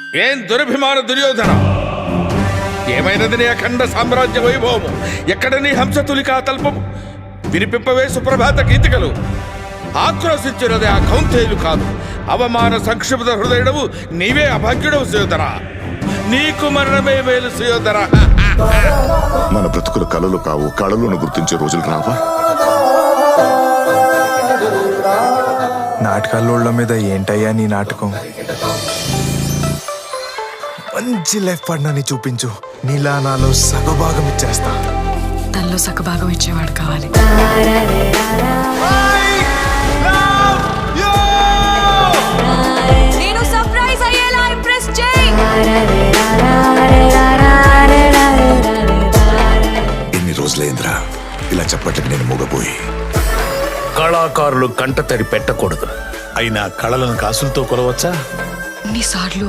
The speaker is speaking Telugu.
ఏం దురభిమాన దుర్యోధన! ఏమైనది నీ అఖండ సామ్రాజ్య వైభవము? ఎక్కడ నీ హంసతులికా తల్పము? వినిపింపవే సుప్రభాత గీతికలు. ఆక్రోశించినది ఆ కౌంతేయులు కాదు. అవమాన సంక్షిప్త హృదయుడవు నీవే అభాగ్యుడవు సుయోధన. నీకు మరణమే మేలు సుయోధన. మన బ్రతుకుల కళలు కావు, కళలను గుర్తించే రోజులు రావా? నాటకాల మీద ఏంటయ్యా నీ నాటకం? మంచి లైఫ్ పార్ట్నర్ని చూపించు, నీలా నాలో సగభాగం ఇచ్చేస్తా. తనలో సగభాగం ఇచ్చేవాడు కావాలి. నేను సర్ప్రైజ్ అయ్యేలా ఇంప్రెస్ చేయి. ఎన్ని రోజులైందిరా ఇలా చెప్పట్లకి నేను మూగపోయి. కళాకారులు కంటతడి పెట్టకూడదు. అయినా కళలను కాసులతో కొలవచ్చా? ఎన్నిసార్లు